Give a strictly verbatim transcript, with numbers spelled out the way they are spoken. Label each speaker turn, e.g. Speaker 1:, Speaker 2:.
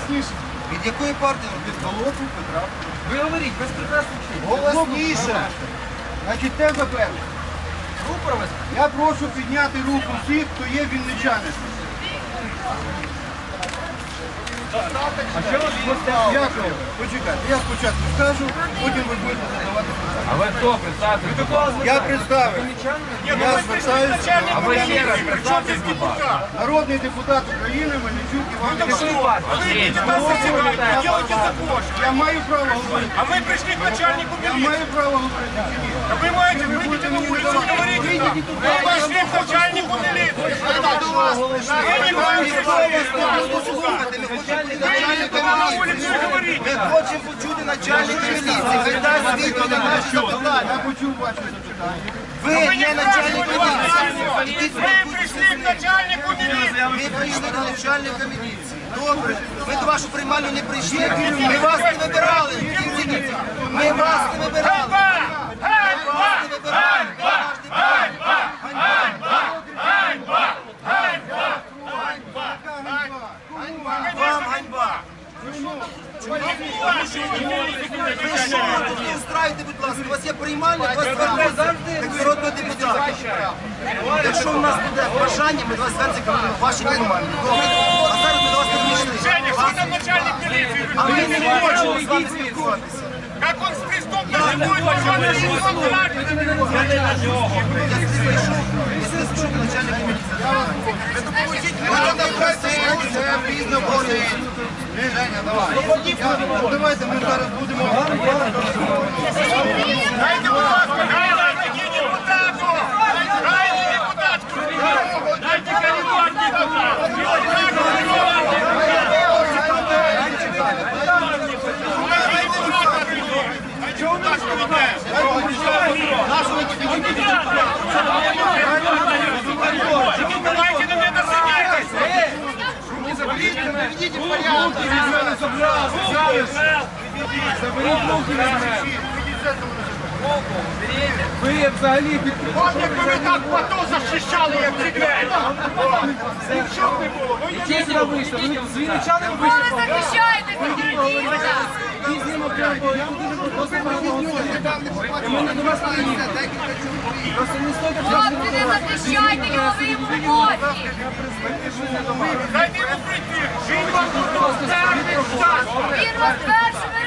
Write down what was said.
Speaker 1: голосніше.
Speaker 2: Від якої партії?
Speaker 1: Від Голосу Петра.
Speaker 3: Ви говоріть, без прекрасних чув.
Speaker 1: Голосніше. Значить, теза перша.
Speaker 3: Рупор вас.
Speaker 1: Я прошу підняти руку всіх, хто є вінничани.
Speaker 3: А що ви поставили?
Speaker 1: Дякую. Почекайте, я спочатку скажу, потім ви будете задавати питання.
Speaker 3: А ви хто представте?
Speaker 1: Я представив. Я звертаюся.
Speaker 3: А ви ще раз представте, будь ласка.
Speaker 1: Народний депутат України Мельничук Іван
Speaker 3: Якщо
Speaker 1: Іванович.
Speaker 3: у вас
Speaker 1: Я маю право говорити.
Speaker 4: А мы пришли к начальнику
Speaker 1: Я
Speaker 4: милиции.
Speaker 1: маю право говорити. чи ні?
Speaker 4: А вы можете выйти на улицу и говорить нам. Мы пошли к начальнику милиции. Вы не можете
Speaker 2: Слухайте, ми хочемо
Speaker 4: выйти на улицу и говорить.
Speaker 2: Ми хочемо почути начальника міліції. Хай дасть відповідь на наші запитання.
Speaker 1: Я почув ваші запитання.
Speaker 2: Ви не начальник міліції.
Speaker 4: Вы пришли к начальнику милиции.
Speaker 2: Ми прийшли до начальника міліції. Добре. Ми до вашу приймальню не прийшли. Ми вас не вибирали. Ми вас не вибирали.
Speaker 4: Ганьба! Ганьба! Ганьба! Ганьба!
Speaker 2: Вам ганьба. Ви що тут не устраєте, будь ласка? У вас є приймальня, у вас звернеться як народного депутата. Якщо у нас буде бажання, ми до вас звернемося як ваші приймальні. Добре? А зараз ми до вас не прийшли.
Speaker 4: Женя, что там начальник милиции?
Speaker 2: А ми не можемо з вами спілкуватися.
Speaker 4: Как он с крестом даже будет пошел и не смотрит.
Speaker 2: Я прийшов, я скажу до начальника міліції. Це пізно болить.
Speaker 1: Женя, давай. Ну, давайте ми зараз будемо.
Speaker 4: Дайте, будь ласка, дайте депутату! Дайте депутатку! Дайте коридор депутату! Давайте на меня садитесь!
Speaker 1: Наведіть порядок. Заберіть руки від мене.
Speaker 3: Ви взагалі під...
Speaker 4: От якби ви так плато захищали, як ці двері! Нічого не було!
Speaker 3: Чесно вийшли, ви з вінничанами
Speaker 5: Ви
Speaker 3: вийшли.
Speaker 5: захищаєте Федорівна!
Speaker 3: Пізнімо прямо, я буду просто проголосувати. Ми не до вас приїхали. Просто не стойте,
Speaker 5: Хлопці, не захищайте його, ви йому в роботі!
Speaker 4: Дайте йому прийти! Він вам тут
Speaker 5: Він вас першими